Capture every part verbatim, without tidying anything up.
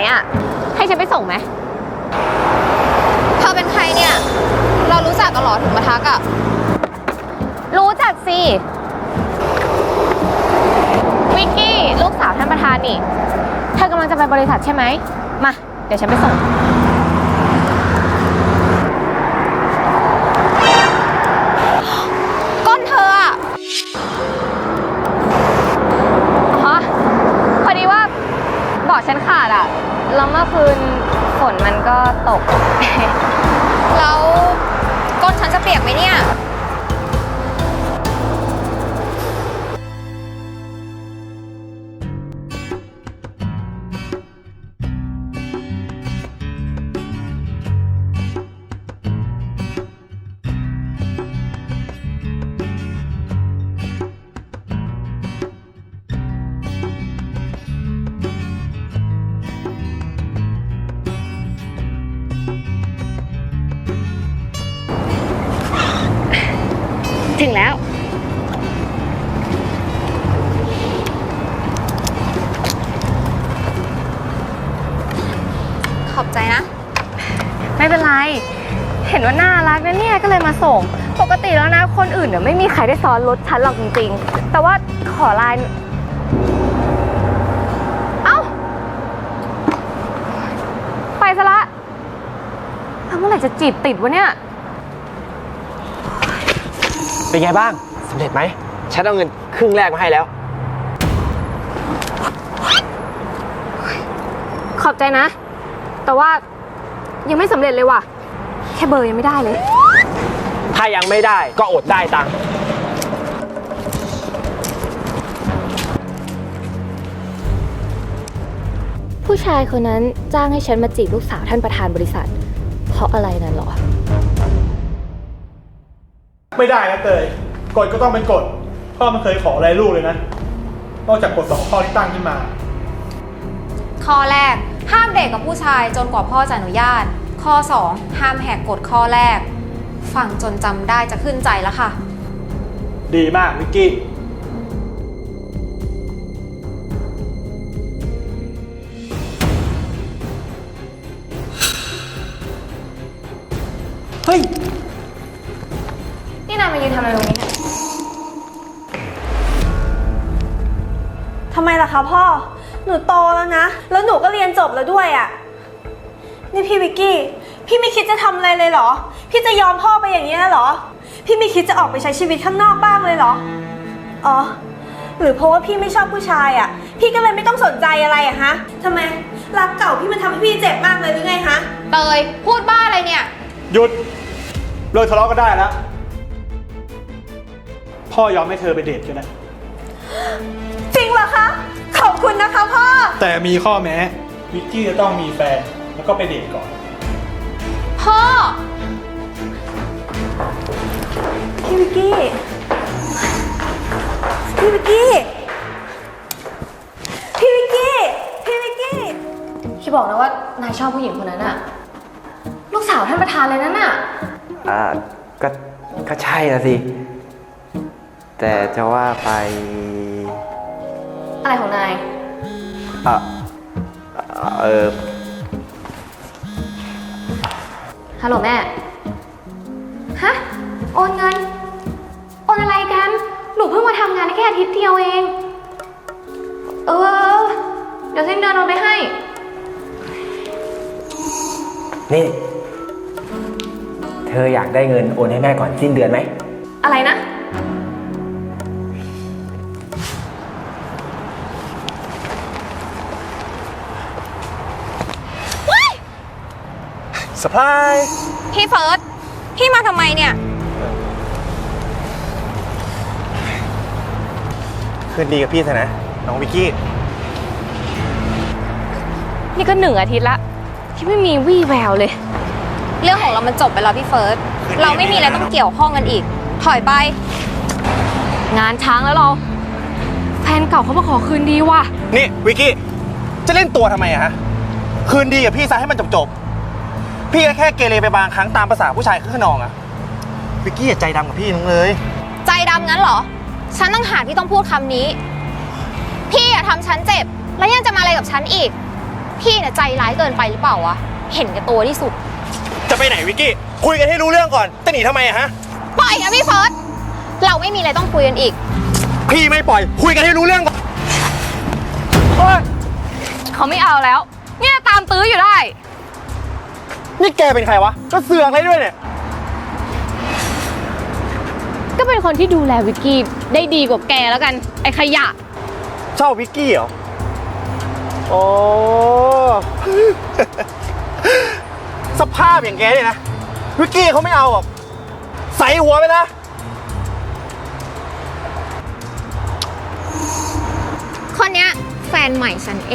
อ่ะให้ฉันไปส่งไหมเธอเป็นใครเนี่ยเรารู้จักกันหรอถึงมาทักอะรู้จักสิวิกกี้ลูกสาวท่านประธานนี่เธอกำลังจะไปบริษัทใช่ไหมมาเดี๋ยวฉันไปส่งก้นเธออะอ๋อพอดีว่าเบาะฉันขาดอะแล้วเมื่อคืนฝนมันก็ตกแล้วก้นฉันจะเปียกไหมเนี่ยถึงแล้วขอบใจนะไม่เป็นไรเห็นว่าน่ารักนะเนี่ยก็เลยมาส่งปกติแล้วนะคนอื่นเนี่ยไม่มีใครได้ซ้อนรถฉันหรอกจริงๆแต่ว่าขอไลน์เอ้าไปซะละแล้วเมื่อไหร่จะจีบติดวะเนี่ยเป็นไงบ้างสำเร็จไหมฉันเอาเงินครึ่งแรกมาให้แล้วขอบใจนะแต่ว่ายังไม่สำเร็จเลยว่ะแค่เบอร์ยังไม่ได้เลยถ้ายังไม่ได้ก็อดได้ตังค์ผู้ชายคนนั้นจ้างให้ฉันมาจีบลูกสาวท่านประธานบริษัทเพราะอะไรนั่นหรอไม่ได้นะเตยกฎก็ต้องเป็นกฎพ่อไม่เคยขออะไรลูกเลยนะนอกจากกฎสองข้อที่ตั้งขึ้นมาข้อแรกห้ามเด็กกับผู้ชายจนกว่าพ่อจะอนุญาตข้อสองห้ามแหกกฎข้อแรกฟังจนจำได้จะขึ้นใจแล้วค่ะดีมากวิกกี้เฮ้ยนี่นายมายืนทำอะไรตรงนี้เนี่ยทำไมล่ะคะพ่อหนูโตแล้วนะแล้วหนูก็เรียนจบแล้วด้วยอะ่ะนี่พี่วิกกี้พี่ไม่คิดจะทำอะไรเลยเหรอพี่จะยอมพ่อไปอย่างนี้เหรอพี่ไม่คิดจะออกไปใช้ชีวิตข้างนอกบ้างเลยเหรออ๋อหรือเพราะว่าพี่ไม่ชอบผู้ชายอะ่ะพี่ก็เลยไม่ต้องสนใจอะไรอะฮะทำไมรักเก่าพี่มันทำให้พี่เจ็บมากเลยหรือไงฮะเตยพูดบ้าอะไรเนี่ยหยุดเลิกทะเลาะกันได้แล้วพ่อยอมให้เธอไปเดทกันนะจริงเหรอคะขอบคุณนะคะพ่อแต่มีข้อแม้วิกกี้จะต้องมีแฟนแล้วก็ไปเดทก่อนพ่อพี่วิกกี้พี่วิกกี้พี่วิกกี้พี่วิกกี้คิดบอกนะว่านายชอบผู้หญิงคนนั้นอะลูกสาวท่านประธานเลยนั่นน่ะอ่าก็ก็ใช่นะสิแต่จะว่าไปอะไรของนายอ่ะเออฮัลโหลแม่ฮะโอนเงินโอนอะไรกันหนูเพิ่งมาทำงานได้แค่อาทิตย์เดียวเองเออเดี๋ยวสิ้นเดือนโอนไปให้นี่เธออยากได้เงินโอนให้แม่ก่อนสิ้นเดือนไหมอะไรนะเซอร์ไพรส์พี่เฟิร์สพี่มาทำไมเนี่ยคืนดีกับพี่เถอะนะน้องวิกกี้นี่ก็หนึ่งอาทิตย์ละที่ไม่มีวี่แววเลยเรื่องของเรามันจบไปแล้วพี่เฟิร์สเราไม่มีอะไรต้องเกี่ยวข้องกันอีกถอยไปงานช้างแล้วเราแฟนเก่าเขามาขอคืนดีว่ะนี่วิกกี้จะเล่นตัวทำไมอะฮะคืนดีกับพี่ซะให้มันจบๆพี่ก็แค่เกเรไปบางครั้งตามภาษาผู้ชายคึกขนองอะวิกกี้อย่าใจดำกับพี่น้องเลยใจดำงั้นเหรอฉันต้องหาที่ต้องพูดคำนี้พี่อย่าทำฉันเจ็บแล้วยังจะมาอะไรกับฉันอีกพี่เนี่ยใจร้ายเกินไปหรือเปล่าวะ เห็นแก่ตัวที่สุดจะไปไหนวิกกี้ คุยกันให้รู้เรื่องก่อน จะหนีทำไมอะฮะปล่อยนะพี่เฟิร์ส เราไม่มีอะไรต้องคุยกันอีกพี่ไม่ปล่อย คุยกันให้รู้เรื่องก่อนเขาไม่เอาแล้ว เนี่ยตามตื้ออยู่ได้นี่แกเป็นใครวะ ก็เสือกอะไรด้วยเนี่ยก็เป็นคนที่ดูแลวิกกี้ได้ดีกว่าแกแล้วกัน ไอ้ขยะชอบวิกกี้เหรอ โอ้ สภาพอย่างแกเนี่ยนะ วิกกี้เขาไม่เอาหรอก ใส่หัวไปนะคนเนี้ยแฟนใหม่ฉันเอง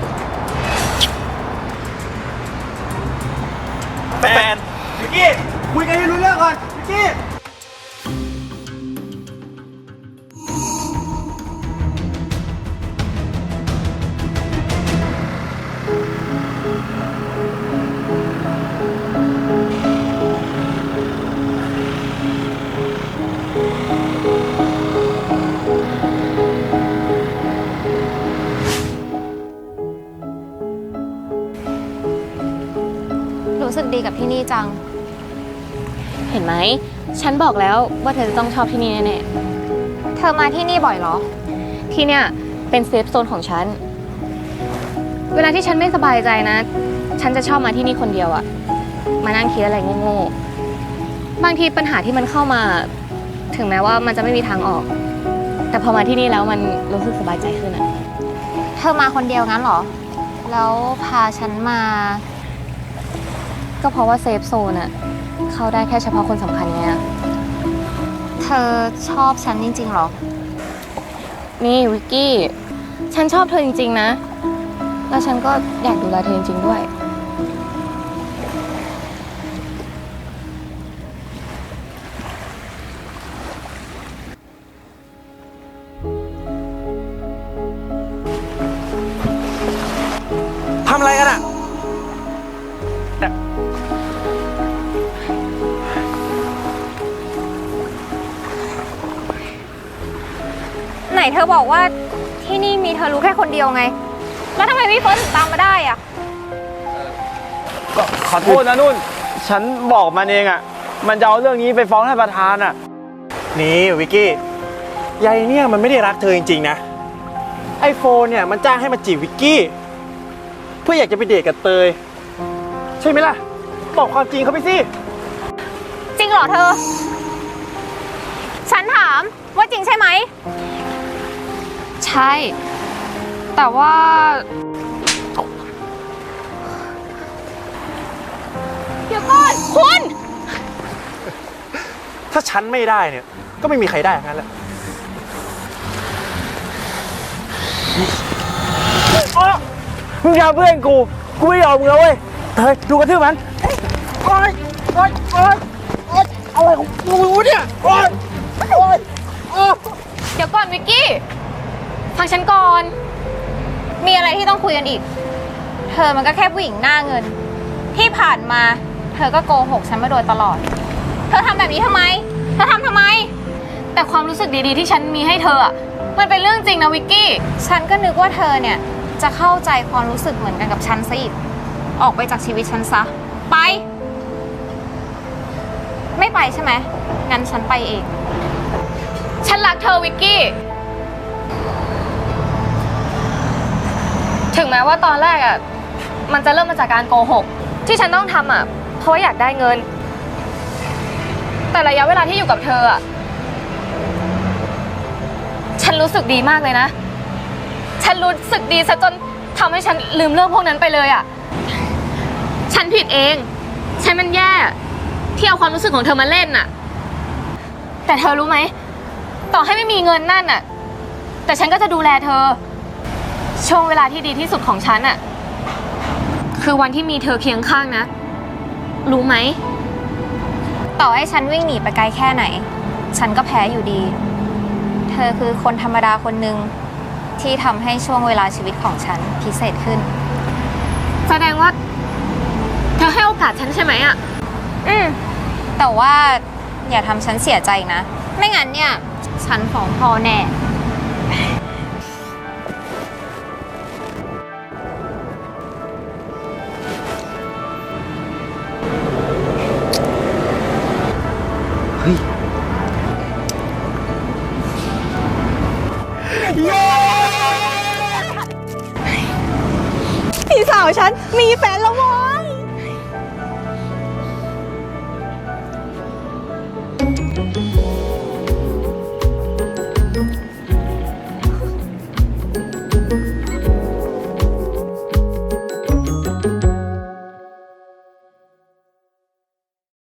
แฟน วิกกี้ คุยกันให้รู้เรื่องก่อน วิกกี้รู้สึกดีกับที่นี่จังเห็นไหม ฉันบอกแล้วว่าเธอจะต้องชอบที่นี่แน่เธอมาที่นี่บ่อยเหรอๆ ที่เนี่ยเป็นเซฟโซนของฉัน เวลาที่ฉันไม่สบายใจนะ ฉันจะชอบมาที่นี่คนเดียวอะมานั่งคิดอะไรโง่ๆ บางทีปัญหาที่มันเข้ามา ถึงแม้ว่ามันจะไม่มีทางออก แต่พอมาที่นี่แล้วมันรู้สึกสบายใจขึ้นอะเธอมาคนเดียวงั้นเหรอ แล้วพาฉันมาก็เพราะว่าเซฟโซนอะเข้าได้แค่เฉพาะคนสำคัญไงอะเธอชอบฉันจริงๆเหรอนี่วิกกี้ ฉันชอบเธอจริงๆนะ แล้วฉันก็อยากดูแลเธอจริงๆด้วยทำอะไรกันอะไหนเธอบอกว่าที่นี่มีเธอรู้แค่คนเดียวไง แล้วทำไมพี่เฟิร์สถึงตามมาได้อะขอโทษนะนุ่น ฉันบอกมันเองอ่ะ มันจะเอาเรื่องนี้ไปฟ้องท่านประธานอ่ะนี่วิกกี้ยายเนี่ยมันไม่ได้รักเธอจริงๆนะ ไอโฟนเนี่ยมันจ้างให้มาจีบวิกกี้ เพื่ออยากจะไปเดทกับเตย ใช่ไหมล่ะ บอกความจริงเขาไปสิจริงเหรอเธอ ฉันถามว่าจริงใช่ไหมใช่ แต่ว่าเดี๋ยวก่อนคุณถ้าฉันไม่ได้เนี่ย ก็ไม่มีใครได้ทั้งนั้นแหละอ้อมึงยาเพื่อนกู กูไม่ยอมมึงแล้วเว้ย เฮ้ย ดูกระทืบมันโอ๊ยโอ๊ยโอ๊ยโอ๊ยอะไรของกูเนี่ยโอ๊ยโอ๊ยโอ๊ยเดี๋ยวก่อนวิกกี้ ฟังฉันก่อนมีอะไรที่ต้องคุยกันอีก เธอมันก็แค่ผู้หญิงหน้าเงิน ที่ผ่านมา เธอก็โกหกฉันมาโดยตลอด เธอทำแบบนี้ทำไม เธอทำทำไมแต่ความรู้สึกดีๆที่ฉันมีให้เธออะมันเป็นเรื่องจริงนะวิกกี้ฉันก็นึกว่าเธอเนี่ยจะเข้าใจความรู้สึกเหมือนกันกับฉันซะอีก ออกไปจากชีวิตฉันซะ ไป ไม่ไปใช่ไหม งั้นฉันไปเองฉันรักเธอวิกกี้ ถึงแม้ว่าตอนแรกอะมันจะเริ่มมาจากการโกหก ที่ฉันต้องทำอะเพราะว่าอยากได้เงิน แต่ระยะเวลาที่อยู่กับเธออะฉันรู้สึกดีมากเลยนะ ฉันรู้สึกดีซะจนทำให้ฉันลืมเรื่องพวกนั้นไปเลยอะฉันผิดเอง ฉันมันแย่ที่เอาความรู้สึกของเธอมาเล่นน่ะ แต่เธอรู้ไหม ต่อให้ไม่มีเงินนั่นน่ะ แต่ฉันก็จะดูแลเธอ ช่วงเวลาที่ดีที่สุดของฉันน่ะ คือวันที่มีเธอเคียงข้างนะ รู้ไหมต่อให้ฉันวิ่งหนีไปไกลแค่ไหน ฉันก็แพ้อยู่ดี เธอคือคนธรรมดาคนหนึ่งที่ทำให้ช่วงเวลาชีวิตของฉันพิเศษขึ้นแสดงว่า เธอให้โอกาสฉันใช่ไหมอะอืมแต่ว่าอย่าทำฉันเสียใจนะ ไม่งั้นเนี่ย ฉันฟ้องพ่อแน่นฉันมีแฟนแล้ว